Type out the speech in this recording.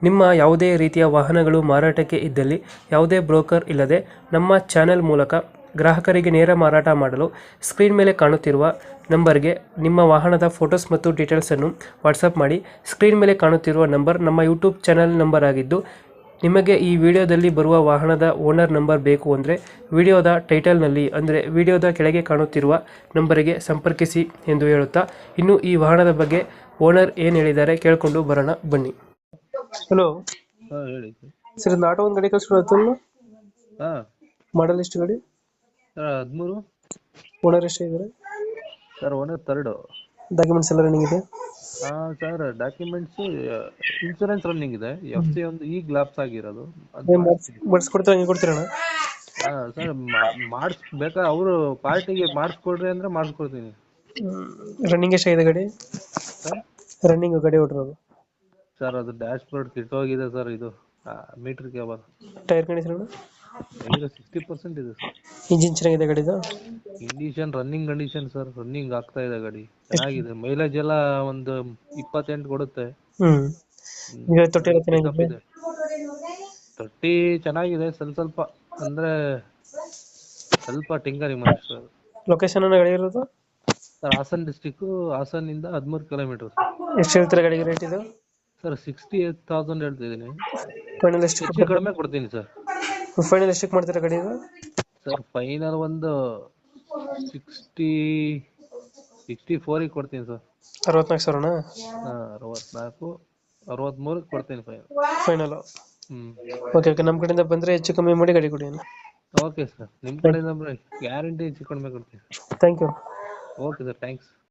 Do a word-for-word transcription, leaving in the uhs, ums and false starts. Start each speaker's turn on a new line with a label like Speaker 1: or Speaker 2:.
Speaker 1: ನಿಮ್ಮ ಯಾವುದೇ ರೀತಿಯ ವಾಹನಗಳು ಮಾರಾಟಕ್ಕೆ ಇದ್ದಲ್ಲಿ ಯಾವುದೇ ಬ್ರೋಕರ್ ಇಲ್ಲದೆ ನಮ್ಮ ಚಾನೆಲ್ ಮೂಲಕ ಗ್ರಾಹಕರಿಗೆ ನೇರ ಮಾರಾಟ ಮಾಡಲು ಸ್ಕ್ರೀನ್ ಮೇಲೆ ಕಾಣುತ್ತಿರುವ ನಂಬರ್ಗೆ ನಿಮ್ಮ ವಾಹನದ ಫೋಟೋಸ್ ಮತ್ತು ಡೀಟೇಲ್ಸನ್ನು ವಾಟ್ಸಪ್ ಮಾಡಿ. ಸ್ಕ್ರೀನ್ ಮೇಲೆ ಕಾಣುತ್ತಿರುವ ನಂಬರ್ ನಮ್ಮ ಯೂಟ್ಯೂಬ್ ಚಾನೆಲ್ ನಂಬರ್ ಆಗಿದ್ದು, ನಿಮಗೆ ಈ ವಿಡಿಯೋದಲ್ಲಿ ಬರುವ ವಾಹನದ ಓನರ್ ನಂಬರ್ ಬೇಕು ಅಂದರೆ ವಿಡಿಯೋದ ಟೈಟಲ್ನಲ್ಲಿ ಅಂದರೆ ವಿಡಿಯೋದ ಕೆಳಗೆ ಕಾಣುತ್ತಿರುವ ನಂಬರಿಗೆ ಸಂಪರ್ಕಿಸಿ ಎಂದು ಹೇಳುತ್ತಾ, ಇನ್ನು ಈ ವಾಹನದ ಬಗ್ಗೆ ಓನರ್ ಏನು ಹೇಳಿದ್ದಾರೆ ಕೇಳಿಕೊಂಡು ಬರೋಣ ಬನ್ನಿ. ಹಲೋ
Speaker 2: ಹಾ ಹೇಳಿ
Speaker 1: ಸರ್, ಒಂದು ಆಟೋ ಒಂದು ಗಾಡಿ ಕಳಿಸ್ಕೊಡತ್ತು.
Speaker 2: ಹಾ
Speaker 1: ಮಾಡಲ್ ಎಷ್ಟು ಗಾಡಿ?
Speaker 2: ಸರ್ ಹದಿಮೂರು.
Speaker 1: ಓನರ್ ಎಷ್ಟು ಇದ್ದಾರೆ?
Speaker 2: Sir owner third.
Speaker 1: ಡಾಕ್ಯುಮೆಂಟ್ಸ್ ಎಲ್ಲ ರನ್ನಿಂಗ್ ಇದೆ?
Speaker 2: ಹಾ ಸರ್ ಡಾಕ್ಯುಮೆಂಟ್ಸ್ ಇನ್ಸೂರೆನ್ಸ್ ರನ್ನಿಂಗ್ ಇದೆ. ಎಫ್ ಸಿ ಒಂದು ಈಗ ಲ್ಯಾಪ್ಸ್ ಆಗಿರೋದು ಅದು ಮಾಡಿಸ್ತೀನಿ.
Speaker 1: ಮಾಡಿಸ್ಕೊಡ್ತೀರಾ, ಹಂಗೆ ಕೊಡ್ತೀರಣ್ಣ?
Speaker 2: ಹಾ ಸರ್ ಮಾಡಿಸ್ ಬೇಕಾದ್ರೆ ಅವರು ಪಾರ್ಟಿಗೆ ಮಾಡಿಸ್ಕೊಡ್ರಿ ಅಂದ್ರೆ ಮಾಡಿಸ್ಕೊಡ್ತೀನಿ
Speaker 1: ರನ್ನಿಂಗ್ ಎಷ್ಟಾಗಿದೆ ಗಾಡಿ?
Speaker 2: ಸರ್
Speaker 1: ರನ್ನಿಂಗ್ ಗಾಡಿ ಹೊಡ್ರೋದು?
Speaker 2: ಸರ್ ಅದು ಡ್ಯಾಶ್ ಬೋರ್ಡ್ ಕಿಟ್ಟೋಗಿದೆ ಸರ್. ಇದು meter cable.
Speaker 1: Tyre condition?
Speaker 2: Tyre sixty percent ಇದೆ ಸರ್.
Speaker 1: ಇಂಜಿನ್ ಚೆನ್ನಾಗಿದೆ ಗಾಡಿದು?
Speaker 2: Condition running condition sir. Running ಆಗ್ತಾ ಇದೆ ಗಾಡಿ, ಚೆನ್ನಾಗಿದೆ. ಮೈಲೇಜ್ ಎಲ್ಲ ಒಂದು ಇಪ್ಪತ್ತೆಂಟು ಕೊಡುತ್ತೆ.
Speaker 1: ಹ್ಮ್ ಈಗ ತೊಟ್ಟಿ ಎಲ್ಲ
Speaker 2: Pickup
Speaker 1: ಚೆನ್ನಾಗಿದೆ?
Speaker 2: ಇದೆ. ತೊಟ್ಟಿ ಚೆನ್ನಾಗಿದೆ, ಸ್ವಲ್ಪ ಸ್ವಲ್ಪ ಅಂದ್ರೆ ಸ್ವಲ್ಪ ಟಿಂಗರಿಂಗ್ ಮಾಡಿಸ್ತಾರೆ.
Speaker 1: ಲೊಕೇಶನ್ ಗಾಡಿ ಇರೋದು
Speaker 2: ಸರ್ ಹಾಸನ್ ಡಿಸ್ಟಿಕ್, ಹಾಸನ್ ಇಂದ ಹದಿಮೂರು ಕಿಲೋಮೀಟರ್.
Speaker 1: ಎಷ್ಟು ಹೇಳ್ತೀರಾ ಗಾಡಿಗೆ ರೇಟ್ ಇದು?
Speaker 2: ಸರ್ ಸಿಕ್ಸ್ಟಿ ಏಟ್ ತೌಸಂಡ್ ಹೇಳ್ತಿದ್ದೀನಿ.
Speaker 1: ಫೈನಲ್ ಎಷ್ಟು
Speaker 2: ಹೆಚ್ಚು ಕಡಿಮೆ ಕೊಡ್ತೀನಿ ಸರ್.
Speaker 1: ಫೈನಲ್ ಎಷ್ಟಕ್ಕೆ ಮಾಡ್ತೀರಾ ಗಾಡಿ ಇದು?
Speaker 2: ಸರ್ ಫೈನಲ್ ಒಂದು ಸಿಕ್ಸ್ಟಿ ಸಿಕ್ಸ್ಟಿ ಫೋರಿಗೆ ಕೊಡ್ತೀನಿ ಸರ್.
Speaker 1: ಅರವತ್ನಾಲ್ಕು ಸಾವಿರನಾ?
Speaker 2: ಹಾ ಅರವತ್ನಾಲ್ಕು ಅರವತ್ಮೂರಕ್ಕೆ ಕೊಡ್ತೀನಿ ಫೈನಲ್.
Speaker 1: ಫೈನಲ್.
Speaker 2: ಹ್ಮ್
Speaker 1: ಓಕೆ ಓಕೆ, ನಮ್ಮ ಕಡೆಯಿಂದ ಬಂದರೆ ಹೆಚ್ಚು ಕಮ್ಮಿ ಮಾಡಿ ಗಾಡಿ ಕೊಡಿ.
Speaker 2: ಓಕೆ ಸರ್, ನಿಮ್ಮ ಕಡೆಯಿಂದ ಗ್ಯಾರಂಟಿ ಹೆಚ್ಚು ಕಡಿಮೆ ಕೊಡ್ತೀನಿ.
Speaker 1: Thank you.
Speaker 2: Okay sir, thanks.